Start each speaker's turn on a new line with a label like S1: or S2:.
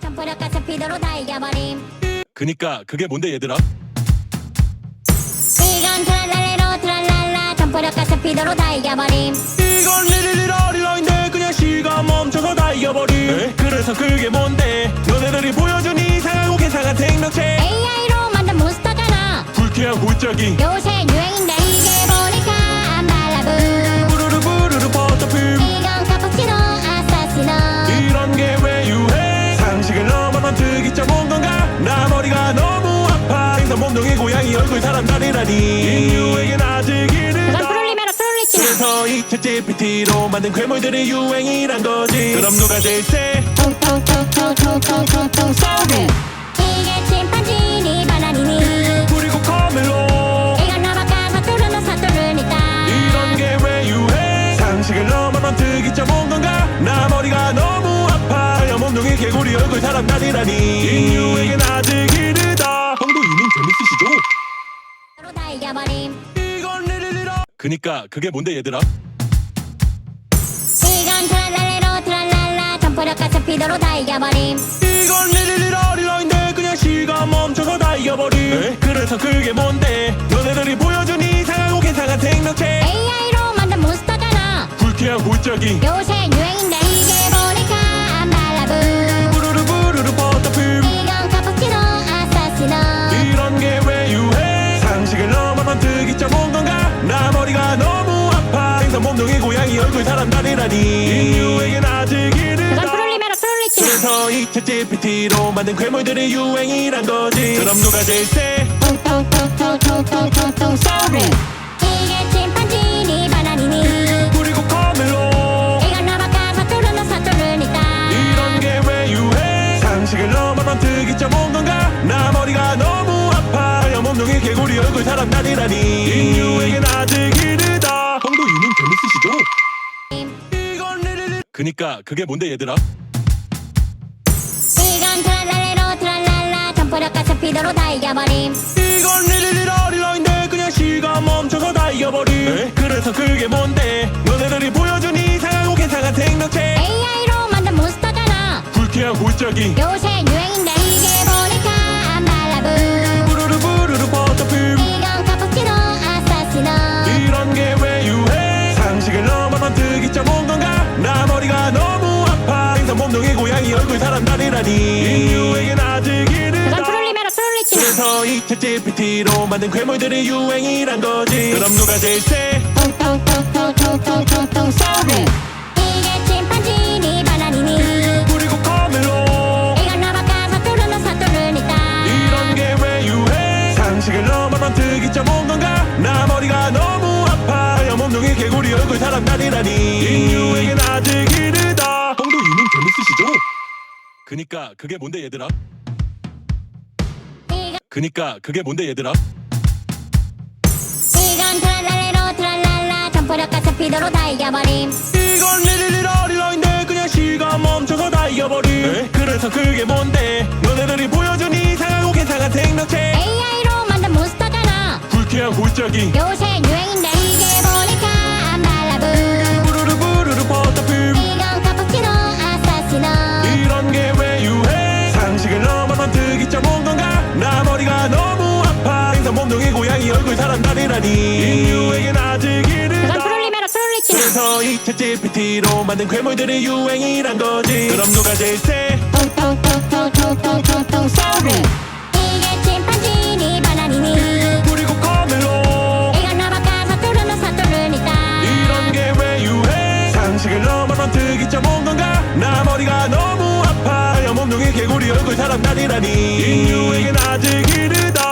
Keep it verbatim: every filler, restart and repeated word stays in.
S1: 점프력과 스피드로 다 이겨버림.
S2: 그니까 그게 뭔데 얘들아?
S1: 이건 트랄랄레로 트랄랄라 점프력과 스피드로 다 이겨버림.
S2: 이건 리리리라리라인데 그냥 시간 멈춰서 다 이겨버림. 에? 그래서 그게 뭔데? 너네들이 보여준 이상하고 개상한 생명체
S1: 에이아이로 만든 몬스터잖아.
S2: 불쾌한 골짜기
S1: 요새 유행인데 이게 보니까 안 발라부.
S2: 부르르 부르르 버터핌
S1: 이건 카푸치노 아사시노.
S2: 이런 게 왜 유해? 상식을 넘어선 특이점 온 건가? 나 머리가 너무 아파. 생선 몸뚱이 고양이 얼굴 사람 다리라니 인류에겐 아직
S1: 그건
S2: 이르다.
S1: 프롤리메로 프롤리치나.
S2: 그래서 이 챗지피티로 만든 괴물들이 유행이란 거지. 그럼 누가 제일 세?
S1: 통통통통통통통통 소리. 이게 침판지니 바나니니.
S2: 그리고 카멜로
S1: 이건 나바카 사투르노 사투르니다.
S2: 이런 게 왜 유해? 상식을 넘어선 특이점 온 건가? 나 머리가 너무 아파. 하얀 몸뚱이 개구리 얼굴 사람 다리라니 인류에겐 아직 이르다. 형도 이민 재밌으시죠?
S1: 로 다 이겨버림.
S2: 이건 리리리라. 그니까 그게 뭔데 얘들아?
S1: 이건 트랄랄레로 트랄랄라 점프력과 스피드로 다 이겨버림.
S2: 이건 리리리라리라인데 그냥 시간 멈춰서 다 이겨버림. 에? 그래서 그게 뭔데? 너네들이 보여준 이상하고 개상한 생명체
S1: 에이아이로 만든 몬스터잖아.
S2: 불쾌한 골짜기
S1: 요새 유행인데 이게 보니까 안 발라부.
S2: 부르르 부르르 버터핌
S1: 이건 카푸치노 아사시노.
S2: 이런 게 왜 유해? 상식을 넘어선 특이점 온 건가? 나 머리가 너무 아파. 생선 몸뚱이 고양이 얼굴 사람 다리라니 인류에겐 아직
S1: 그건
S2: 이르다.
S1: 프롤리메로 프롤리치나.
S2: 그래서 이 챗지피티로 만든 괴물들이 유행이란 거지. 그럼 누가 제일 세?
S1: 통통통통통통통통 소리. 이게 침판지니 바나니니.
S2: 그리고 카멜로
S1: 이건 나바카 사투르노 사투르니다.
S2: 이런 게 왜 유해? 상식을 넘어선 특이점 온 건가? 나 머리가 너무 아파. 하얀 몸뚱이 개구리 얼굴 사람 다리라니 인류에겐 아직 이르다. 형도 이민 재밌으시죠? 이건 리리리. 그니까 그게 뭔데 얘들아?
S1: 이건 트랄랄레로 트랄랄라 점프력과 스피드로 다 이겨버림.
S2: 이건 리리리라리라인데 그냥 시간 멈춰서 다 이겨버림. 에? 그래서 그게 뭔데? 너네들이 보여준 이상하고 개상한 생명체
S1: 에이아이로 만든 몬스터잖아.
S2: 불쾌한 골짜기
S1: 요새 유행인데 이게 보니까 안 발라부.
S2: 부르르 부르르 버터핌
S1: 이건 카푸치노 아사시노.
S2: 이런 게 왜 유해? 상식을 넘어선 특이점 온 건가? 나 머리가 너무 아파. 생선 몸뚱이 고양이 얼굴 사람 다리라니 인류에겐 아직 이르다.
S1: 그건 프롤리메로 프롤리치나.
S2: 그래서 이 챗지피티로 만든 괴물들이 유행이란 거지. 그럼 누가 제일 세?
S1: 통통통통통통통통 소리. 이게 침판지니 바나니니.
S2: 그리고 카멜로
S1: 이건 나바카 사투르노 사투르니다.
S2: 이런 게 왜 유해? 상식을 넘어선 특이점 온 건가? 나 머리가 너무 아파. 하얀 몸뚱이 개구리 얼굴 사람 다리라니 인류에겐 아직 이르다. 형도 이민 재밌으시죠? 그니까 그게 뭔데 얘들아?
S1: 이건
S2: 그니까 그게 뭔데 얘들아?
S1: 이건 트랄랄레로 트랄랄라 점프력과 스피드로 다 이겨버림.
S2: 이건 리리리라리라인데 그냥 시간 멈춰서 다 이겨버림. 에? 그래서 그게 뭔데? 너네들이 보여준 이상하고 개상한 생명체
S1: 에이아이로 만든 몬스터잖아.
S2: 불쾌한 골짜기
S1: 요새 유행인데 이게 보니까 안 발라부.
S2: 부르르 부르르 버터핌
S1: 이건 카푸치노 아사시노.
S2: 이런 게 왜 유해? 상식을 넘어선 특이점 온 건가? 나 머리가 너무 아파. 생선 몸뚱이 고양이 얼굴 사람 다리라니 인류에겐 아직 이르다.
S1: 그건 프롤리메로 프롤리치나.
S2: 그래서 이 챗지피티로 만든 괴물들이 유행이란 거지. 그럼 누가 제일 세?
S1: 통통통통통통통통 소리. 이게 침판지니 바나니니.
S2: 그리고 카멜로
S1: 이건 나바카 사투르노 사투르니다.
S2: 이런 게 왜 유해? 상식을 넘어선 특이점 온 건가? 나 머리가 너무 아파. 하얀 몸뚱이 개구리 얼굴 사람 다리라니 인류에겐 아직 이르다.